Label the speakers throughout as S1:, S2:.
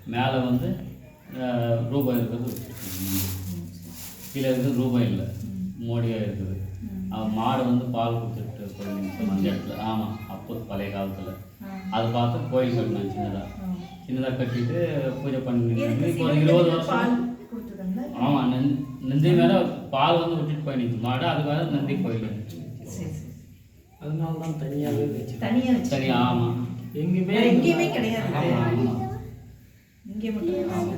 S1: மேலே வந்து ரூபாய் இருக்கிறது, கீழே இருக்கிறது ரூபாய் இல்லை, மோடியாக இருக்குது. மாடு வந்து பால் கொடுத்துட்டு போயிருந்துச்சு அந்த இடத்துல. ஆமாம், அப்போ பழைய காலத்தில் அதை பார்த்து கோயில் கட்டினேன். சின்னதாக கட்டிட்டு பூஜை பண்ணி இப்போ 20 வருஷம். ஆமாம், நந்தி மேலே பால் வந்து விட்டுட்டு போயிடுச்சு மாடு, அது மேலே நந்தி கோயில்.
S2: அதனால தான் தனியாகவே வச்சு
S1: தனியாக. ஆமாம்,
S3: எங்கேயுமே கிடையாது, இங்கே மட்டும்.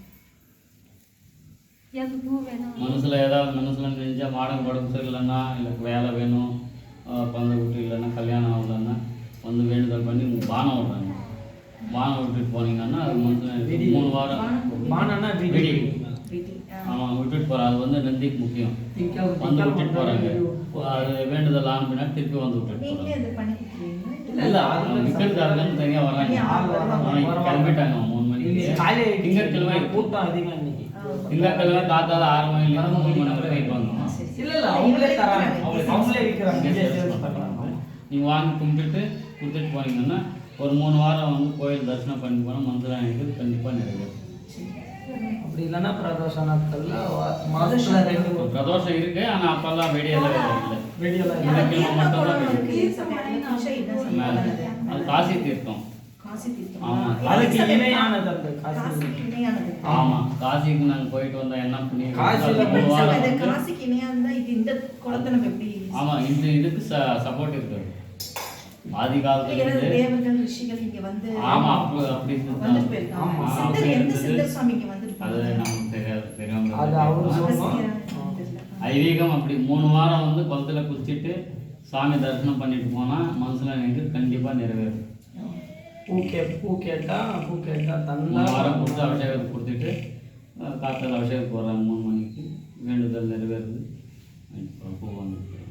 S1: மனசில் ஏதாவது மனசில் நினைஞ்சால் மாடம் உடம்பு சரியில்லைன்னா, இல்லை வேலை வேணும், பந்த குட்டி இல்லைன்னா, கல்யாணம் ஆகலைன்னா வந்து வேண்டுதல் பண்ணி பானம் விட்றாங்க. பானம் விட்டுட்டு போனீங்கன்னா அது மனசில் 3 வாரம்
S2: பானம்னா
S1: வெடி. ஆமாம், விட்டுட்டு போகிறோம். அது வந்து நந்திக்கு முக்கியம். வந்து விட்டுட்டு போகிறாங்க. அது வேண்டுதல் ஆன பின்னாடி திருப்பி வந்து விட்டுட்டு போகிறாங்க. இல்லை, விற்கிறதுக்காரங்க தனியாக வராங்க. கிளம்பிட்டாங்க 3 மணிக்கு. திங்கட்கிழமை
S2: கூட்டம் அதிகம் இன்னைக்கு.
S1: திங்கட்கிழமை காத்தால 6 மணிலேருந்து 3 மணி வரை கைட்டு வந்தோம்.
S2: இல்லை அவங்களே தராங்க, அவங்களே விற்கிறாங்க.
S1: நீங்கள் வாங்கி கும்பிட்டுட்டு கொடுத்துட்டு போனீங்கன்னா ஒரு 3 வாரம் வந்து கோயில் தரிசனம் பண்ணி போனால் மந்திரம் எனக்கு கண்டிப்பாக நிறைவேறும்.
S2: அப்படி இல்லைன்னா பிரதோஷ நாட்களில் மாதத்தில் 2
S1: பிரதோஷம் இருக்குது. ஆனால் அப்போல்லாம் வெடியெல்லாம் இல்லை.
S2: வெடியெல்லாம்
S1: திங்கட்கிழமை மட்டும்தான் வெடி. அது காசி தீர்த்தம். ஆமாம்,
S2: அதுக்கு இணையானது அந்த காசி.
S1: ஆமாம், காசிக்கு நாங்கள் போயிட்டு வந்தோம். என்ன பண்ணி
S3: காசிக்கு இணையானதா இது? இந்த குளத்தை நம்ம எப்படி?
S1: ஆமாம், இந்த இதுக்கு சப்போர்ட் இருக்குது. ஆதி காலத்துல
S3: தேவர்கள் ரிஷிகள் இங்க வந்து.
S1: ஆமா, அப்படி
S3: வந்து போயிருக்காங்க. சித்தர் எந்த சித்தர் சுவாமி இங்க வந்திருக்காங்க?
S1: அது நமக்கு தெரியாது.
S2: அது அவர் சொன்னோம்.
S1: ஐதீகம் அப்படி 3 வாரம் வந்து குளத்துல குளிச்சுட்டு சாமி தரிசனம் பண்ணிட்டு போனால் மனசில் எனக்கு கண்டிப்பாக நிறைவேறும்.
S2: பூ கேட்டால் தந்தா
S1: 3 வாரம் கொடுத்து அபிஷேகத்தை கொடுத்துட்டு காத்தால் அபிஷேகத்துக்கு வர்றாங்க 3 மணிக்கு. வேண்டுதல் நிறைவேறுது. பூ வந்து